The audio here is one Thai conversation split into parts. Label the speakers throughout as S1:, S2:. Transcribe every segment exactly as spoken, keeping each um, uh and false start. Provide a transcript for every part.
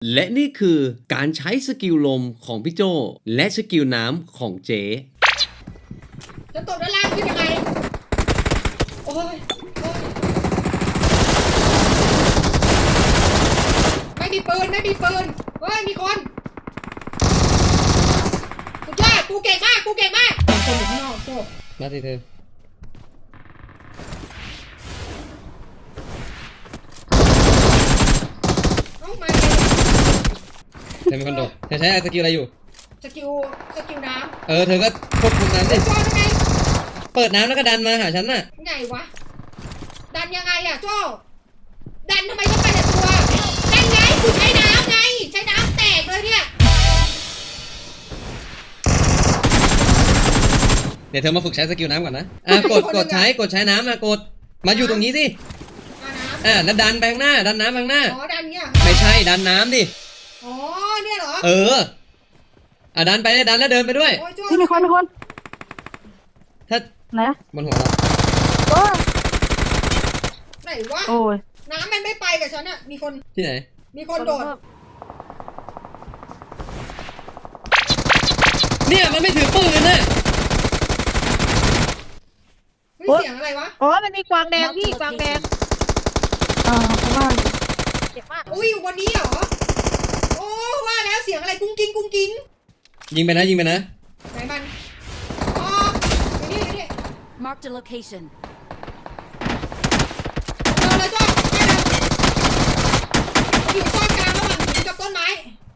S1: และนี่คือการใช้สกิลลมของพี่โจและสกิลน้ำของเจ๊
S2: จะตกด้านล่างขึ้นยังไงโอ้ยโอ้ยไม่มีปืนไม่มีปืนเฮ้ยมีคนสุดยอดกูเก่งมากกูเก่งมากคนอยู่ข้างนอกโจ
S1: มาสิเธอ
S2: เอ้ามา
S1: เธอเป็นคนโดดเธอใช้สกิลอะไรอยู่
S2: สกิลสกิลน้ำ
S1: เออเธอก็ควบคุมน้ำดิ
S2: โจ้ทำไง
S1: เปิดน้ำแล้วก็ดันมาหาฉันน่ะ
S2: ไงวะดันยังไงอะโจ้ดันทำไมต้องไปแต่ตัวดันไงกูใช้น้ำไงใช้น้ำแตกเลยเนี่ย
S1: เดี๋ยวเธอมาฝึกใช้สกิลน้ำก่อนนะอ่ะกดกดใช้กดใช้น้ำอ่ะกดมาอยู่ตรงนี้สิอ่ะแล้วดันไปข้างหน้าดันน้ำไปข้างหน้า
S2: อ๋อดันเนี่ย
S1: ไม่ใช่ดันน้ำดิ
S2: อ๋อเนี่ยเหรอ
S1: เอออ่ะดันไปดันแล้วเดินไปด้วย
S3: ที่มีคนมีคน
S1: ถ้า
S3: ไหน
S1: บนหัวเรา
S3: โอ้
S2: ไหนวะ
S3: โอ้ย
S2: น้ำมันไม่ไปกับฉันอะมีคน
S1: ที่ไหน
S2: มีคนโดด
S1: เนี่ยมันไม่ถือปืนน่ะ
S2: เสียงอะไรวะ
S3: อ๋อมันมีกวางแดงพี่กวางแดงอ่าเพราะว่า
S2: เจ็บมากอุ้ยอยู่บนนี้เหรอโอ้ว่าแล้วเสียงอะไรกุ้งกิ้งกุ้งกิ้ง
S1: ยิงไปนะยิงไปนะ
S2: ไหนมันอ๋อนี่นี่
S4: Mark the location
S2: เจอเลยจ้าไปเลยอยู่ต้นกลางระหว่างหินกับต้นไม้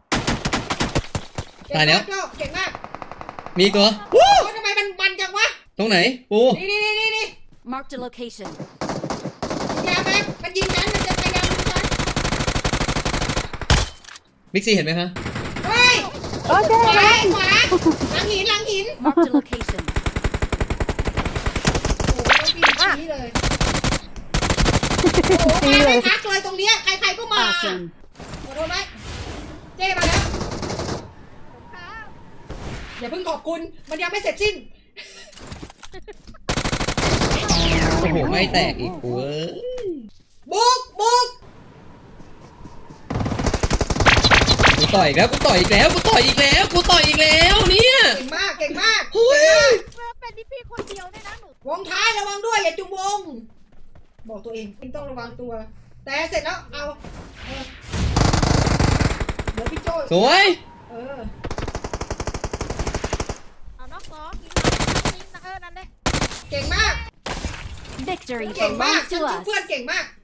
S1: ตายแล้ว
S2: เก่งมาก
S1: มีตัว
S2: โอ้ทำไมมันมันจังวะ
S1: ตรงไหนปู
S2: นี่นี่นี่นี่
S4: Mark the location
S2: ยาแม็กมันยิงฉันมันจะพยายามยิงฉัน
S1: บิ๊กซีเห็นไหมคะ
S2: เฮ้ย
S3: โอ้ยขวา
S2: ขวาหลังหินหลังหิน
S4: Mark the location
S2: โอ้โหต้องปีนชี้เลยโอ้โหมาไม่พักเลยตรงเนี้ยใครๆก็มาขอโทษไหมเจ้มาแล้วอย่าเพิ่งขอบคุณมันยังไม่เสร็จสิ้น
S1: โอ้โหไม่แตกอีกเว้ย
S2: บุกบุก
S1: กูต่อยอีกแล้วกูต่อยอีกแล้วกูต่อยอีกแล้วกูต่อยอีกแล้วเนี่ย
S2: เก่งมากเก่งมาก
S1: เฮ้ย
S3: เป็นที่พี่คนเดียวเนี่ยนะหนู
S2: วงท้ายระวังด้วยอย่าจุ่มวงบอกตัวเองต้องระวังตัวแต่เสร็จแล้วเอาเออเดี๋ยวพี่โจ้
S1: สวย
S2: เออ
S3: เอาน็อกสองยิงยิงนะเออนั่นเลย
S2: เก่งมาก
S4: Victory
S2: เก่งมาก
S4: belongs to us
S2: เพื่อนเก่งมาก